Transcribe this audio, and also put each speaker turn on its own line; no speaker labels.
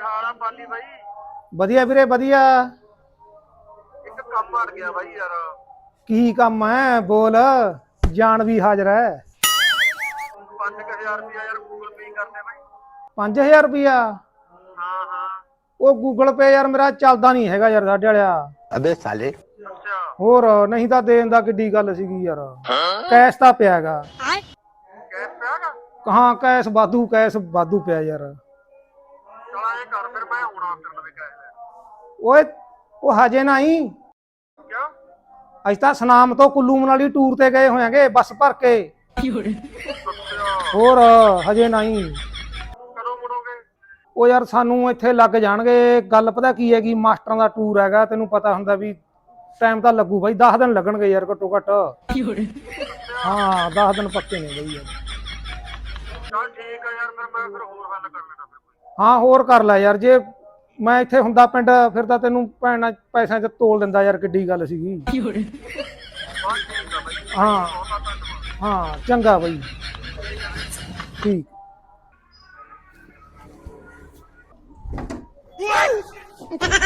ਹਾਲ ਆ ਪਾਲੀ ਬਾਈ?
ਵਧੀਆ ਵੀਰੇ ਵਧੀਆ।
ਇੱਕ ਕੰਮ ਅੜ ਗਿਆ ਬਾਈ ਯਾਰ।
ਕੀ ਕੰਮ ਹੈ ਬੋਲ, ਜਾਨ ਵੀ ਹਾਜ਼ਰ ਹੈ।
5000 ਰੁਪਇਆ ਯਾਰ ਗੂਗਲ ਪੇ ਕਰਨੇ ਬਾਈ।
5000 ਰੁਪਇਆ?
ਹਾਂ ਹਾਂ।
ਉਹ ਗੂਗਲ ਪੇ ਯਾਰ ਮੇਰਾ ਚੱਲਦਾ ਨਹੀਂ ਹੈਗਾ ਯਾਰ ਸਾਡੇ ਵਾਲਿਆ।
ਅਬੇ ਸਾਲੇ।
ਅੱਛਾ।
ਹੋਰ ਨਹੀਂ ਤਾਂ ਦੇਣ ਦਾ ਕਿੱਡੀ ਗੱਲ ਸੀਗੀ ਯਾਰ। ਕੈਸ਼ ਤਾਂ ਪਿਆਗਾ।
ਕੈਸ਼ ਪਿਆਗਾ?
ਹਾਂ ਕੈਸ਼ ਵਾਧੂ ਪਿਆ ਯਾਰ।
ਚਲ ਇਹ ਕਰ ਫਿਰ, ਮੈਂ ਆਉਣਾ ਫਿਰ ਨਵੇਂ ਕੈਸ਼ ਲੈ।
ਓਏ ਉਹ ਹਜੇ ਨਹੀਂ।
ਕਿਉਂ?
ਅਸੀਂ ਤਾਂ ਸਨਾਮ ਤੋਂ ਕੁੱਲੂ ਮਨਾਲੀ ਟੂਰ ਤੇ ਗਏ ਹੋਇਆਂਗੇ ਬੱਸ ਭਰ ਕੇ।
ਅੱਛਾ।
ਹੋਰ ਹਜੇ ਨਹੀਂ।
ਕਦੋਂ ਮੁੜੋਗੇ?
ਉਹ ਯਾਰ ਸਾਨੂੰ ਇੱਥੇ ਲੱਗ ਜਾਣਗੇ। ਗੱਲ ਪਤਾ ਕੀ ਹੈਗੀ, ਮਾਸਟਰਾਂ ਦਾ ਟੂਰ ਹੈਗਾ, ਤੈਨੂੰ ਪਤਾ ਹੁੰਦਾ ਵੀ ਟਾਈਮ ਤਾਂ ਲੱਗੂ ਬਾਈ, 10 ਦਿਨ ਲੱਗਣਗੇ ਯਾਰ ਘੱਟੋ ਘੱਟ। ਹਾਂ 10 ਦਿਨ ਪੱਕੇ ਨੇ ਬਈ ਯਾਰ।
ਚਲ ਠੀਕ ਆ ਯਾਰ, ਫਿਰ ਮੈਂ ਹੋਰ ਹੱਲ ਕਰ ਲੈਣਾ ਫਿਰ।
ਹਾਂ ਹੋਰ ਕਰ ਲੈ ਯਾਰ, ਜੇ ਮੈਂ ਇੱਥੇ ਹੁੰਦਾ ਪਿੰਡ ਫਿਰ ਤਾਂ ਤੈਨੂੰ ਭੈਣ ਪੈਸਿਆਂ 'ਚ ਤੋਲ ਦਿੰਦਾ ਯਾਰ, ਕਿੱਡੀ ਗੱਲ ਸੀਗੀ।
ਬਸ ਠੀਕ ਆ ਬਾਈ।
ਹਾਂ
ਬਹੁਤ ਧੰਨਵਾਦ।
ਹਾਂ ਚੰਗਾ ਬਾਈ, ਠੀਕ।